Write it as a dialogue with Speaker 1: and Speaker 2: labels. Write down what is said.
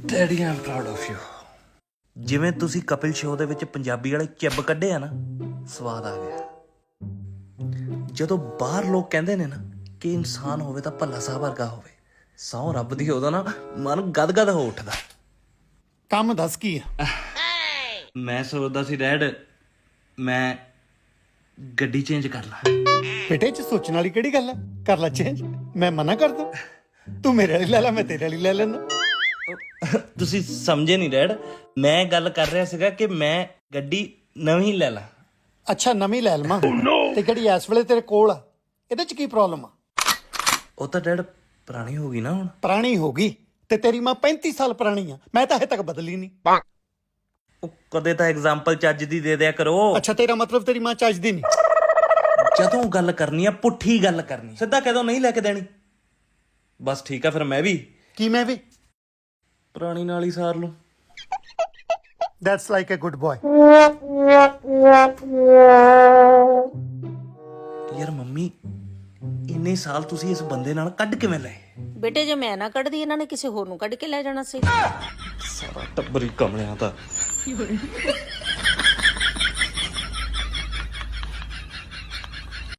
Speaker 1: Daddy am proud of you. ਜਿਵੇਂ ਤੁਸੀਂ Kapil show ਦੇ ਵਿੱਚ ਪੰਜਾਬੀ ਵਾਲੇ ਚਿੱਬ ਕੱਢੇ ਆ ਨਾ, ਸਵਾਦ ਆ ਗਿਆ। ਜਦੋਂ ਬਾਹਰ ਲੋਕ ਕਹਿੰਦੇ ਨੇ ਨਾ ਕਿ ਇਨਸਾਨ ਹੋਵੇ ਤਾਂ ਭੱਲਾ ਸਾਹਿਬ ਵਰਗਾ ਹੋਵੇ, ਸਹੁੰ ਰੱਬ ਦੀ ਉਹਦਾ ਨਾ ਮਨ ਗਦਗਦ ਹੋ ਉੱਠਦਾ।
Speaker 2: ਕੰਮ ਦੱਸ ਕੀ ਆ?
Speaker 1: ਮੈਂ ਸੋਚਦਾ ਸੀ ਡੈਡ, ਮੈਂ ਗੱਡੀ ਚੇਂਜ ਕਰ ਲਾਂ।
Speaker 2: ਬੇਟੇ ਚ ਸੋਚਣ ਵਾਲੀ ਕਿਹੜੀ ਗੱਲ ਆ? ਕਰ ਲੈ ਚੇਂਜ, ਮੈਂ ਮਨਾ ਕਰ ਦੂੰ? ਤੂੰ ਮੇਰੇ ਵਾਲੀ ਲੈ ਲੈ, ਮੈਂ ਤੇਰੇ ਵਾਲੀ ਲੈ ਲੈਣਾ।
Speaker 1: ਤੁਸੀਂ ਸਮਝੇ ਨਹੀਂ ਡੈਡ, ਮੈਂ ਗੱਲ ਕਰ ਰਿਹਾ ਸੀਗਾ ਕਿ ਮੈਂ ਗੱਡੀ ਨਵੀਂ ਲੈ ਲਾਂ।
Speaker 2: ਅੱਛਾ ਨਵੀਂ ਲੈ ਲਵਾਂ ਤੇ ਕਿਹੜੀ ਇਸ ਵੇਲੇ ਤੇਰੇ ਕੋਲ ਆ? ਇਹਦੇ ਚ ਕੀ ਪ੍ਰੋਬਲਮ ਆ?
Speaker 1: ਉਹ ਤਾਂ ਡੈਡ ਪੁਰਾਣੀ ਹੋ ਗਈ ਨਾ ਹੁਣ।
Speaker 2: ਪੁਰਾਣੀ ਹੋ ਗਈ ਤੇ ਤੇਰੀ ਮਾਂ 35 ਸਾਲ ਪੁਰਾਣੀ ਆ, ਮੈਂ ਤਾਂ ਹਜੇ ਤੱਕ ਬਦਲੀ ਨਹੀਂ।
Speaker 1: ਉਹ ਕਦੇ ਤਾਂ ਐਗਜ਼ਾਮਪਲ ਚੱਜ ਦੀ ਦੇ ਦਿਆ ਕਰੋ।
Speaker 2: ਅੱਛਾ ਤੇਰਾ ਮਤਲਬ ਤੇਰੀ ਮਾਂ ਚੱਜਦੀ ਨਹੀਂ?
Speaker 1: ਜਦੋਂ ਗੱਲ ਕਰਨੀ ਆ ਪੁੱਠੀ ਗੱਲ ਕਰਨੀ, ਸਿੱਧਾ ਕਦੋਂ ਨਹੀਂ ਲੈ ਕੇ ਦੇਣੀ। ਬਸ ਠੀਕ ਆ, ਫਿਰ ਮੈਂ ਵੀ
Speaker 2: ਕੀ ਮੈਂ ਵੀ
Speaker 1: ਪੁਰਾਣੀ ਨਾਲ ਹੀ ਸਾਰ ਲੂੰ।
Speaker 2: That's like a good boy.
Speaker 1: ਯਾਰ ਮੰਮੀ, ਇੰਨੇ ਸਾਲ ਤੁਸੀਂ ਇਸ ਬੰਦੇ ਨਾਲ ਕੱਢ ਕਿਵੇਂ ਲਏ?
Speaker 3: ਬੇਟੇ ਜੇ ਮੈਂ ਨਾ ਕੱਢਦੀ ਇਹਨਾਂ ਨੇ ਕਿਸੇ ਹੋਰ ਨੂੰ ਕੱਢ ਕੇ ਲੈ ਜਾਣਾ ਸੀ।
Speaker 1: ਸਾਰਾ ਟੱਬਰ ਹੀ ਕਮਲਿਆਂ ਦਾ।